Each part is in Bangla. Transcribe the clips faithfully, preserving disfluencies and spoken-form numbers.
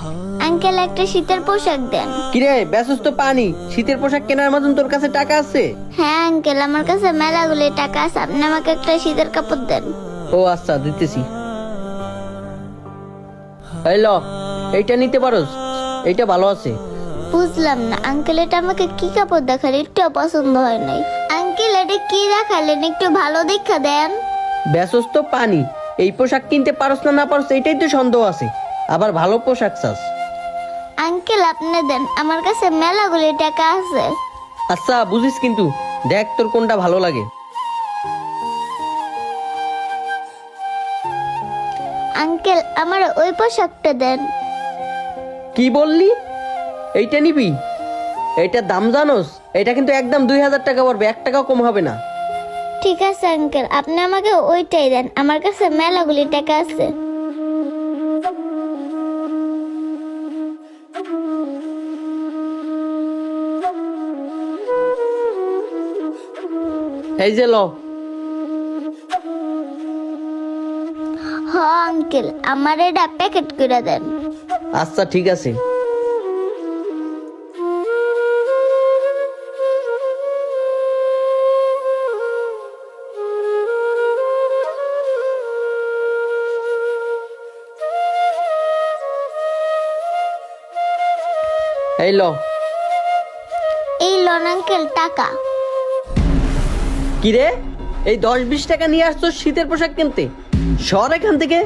আঙ্কেল একটা শীতের পোশাক দেন। কিরে বেসস তো পানি, শীতের পোশাক কেনার মতন তোর কাছে টাকা আছে? হ্যাঁ আঙ্কেল, আমার কাছে মেলাগুলি টাকা আছে, আপনি আমাকে একটা শীতের কাপড় দেন। ও আচ্ছা দিতেছি। এই ল, এইটা নিতে পারোস, এইটা ভালো আছে। বুঝলাম না আঙ্কেল, এটা আমাকে কি কাপড় দেখালে একটু পছন্দ হয় নাই। আঙ্কেল এটা কি দেখালেন, একটু ভালো দেখা দেন। বেসস তো পানি, এই পোশাক কিনতে পারোস না না পারোস এইটাই তো সন্দেহ আছে, আবার ভালো পোশাক চাস। আঙ্কেল আপনি দেন, আমার কাছে মেলাগুলি টাকা আছে। আচ্ছা বুঝিস, কিন্তু দেখ তোর কোনটা ভালো লাগে। আঙ্কেল আমার ওই পোশাকটা দেন। কি বললি? এইটা নিবি? এইটার দাম জানোস? এটা কিন্তু একদম দুই হাজার টাকা পড়বে, এক টাকাও কম হবে না। ঠিক আছে আঙ্কেল, আপনি আমাকে ওইটাই দেন, আমার কাছে মেলাগুলি টাকা আছে। এই যে ল। হ আঙ্কেল, আমার এটা প্যাকেট করে দেন। আচ্ছা ঠিক আছে। এই ল। এই লোন আঙ্কেল টাকা। কিরে, এই দশ বিশ টাকা নিয়ে আসছো শীতের পোশাক কিনতে? সর এখান থেকে।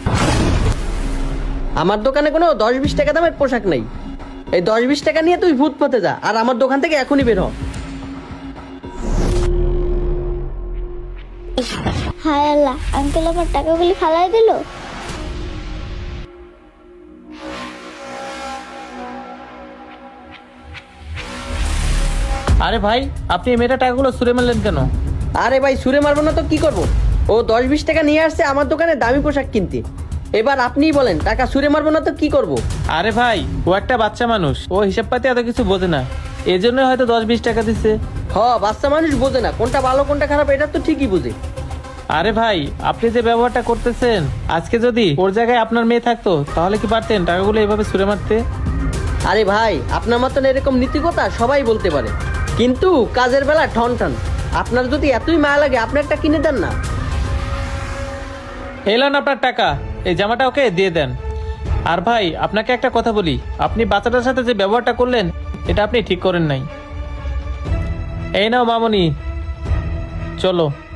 আমার দোকানে কোনো দশ বিশ টাকা দামের পোশাক নাই। এই দশ বিশ টাকা নিয়ে তুই ভূত পথে যা, আর আমার দোকান থেকে এখনই বের হ। হায় আল্লাহ, আঙ্কেল আমার টাকাগুলি ফালাই দিল। আরে ভাই, আপনি এই মেয়েটা টাকাগুলো ছুঁড়ে মারলেন কেন? আরে ভাই ছুঁড়ে মারবো না তো কি করব? ও দশ বিশ টাকা নিয়ে আসছে আমার দোকানে দামি পোশাক কিনতে, এবার আপনিই বলেন টাকা ছুঁড়ে মারবো না তো কি করব? আরে ভাই, ও একটা বাচ্চা মানুষ, ও হিসাব পাতি এত কিছু বোঝে না, এই জন্যই হয়তো দশ বিশ টাকা দিচ্ছে। হ, বাচ্চা মানুষ বোঝে না কোনটা ভালো কোনটা খারাপ, এটা তো ঠিকই বুঝে। আরে ভাই, আপনি যে ব্যবহারটা করতেছেন, আজকে যদি ওর জায়গায় আপনার মেয়ে থাকতো তাহলে কি পারতেন টাকাগুলো এইভাবে ছুঁড়ে মারতে? আরে ভাই, আপনার মতন এরকম নীতিকথা সবাই বলতে পারে, কিন্তু কাজের বেলা ঠন ঠন। আপনার যদি এতই মায়া লাগে আপনি একটা কিনে দেন না। এলেন আপনার টাকা, এই জামাটা ওকে দিয়ে দেন। আর ভাই, আপনাকে একটা কথা বলি, আপনি বাচ্চাটার সাথে যে ব্যবহারটা করলেন এটা আপনি ঠিক করেন নাই। এই নাও মামনি, চলো।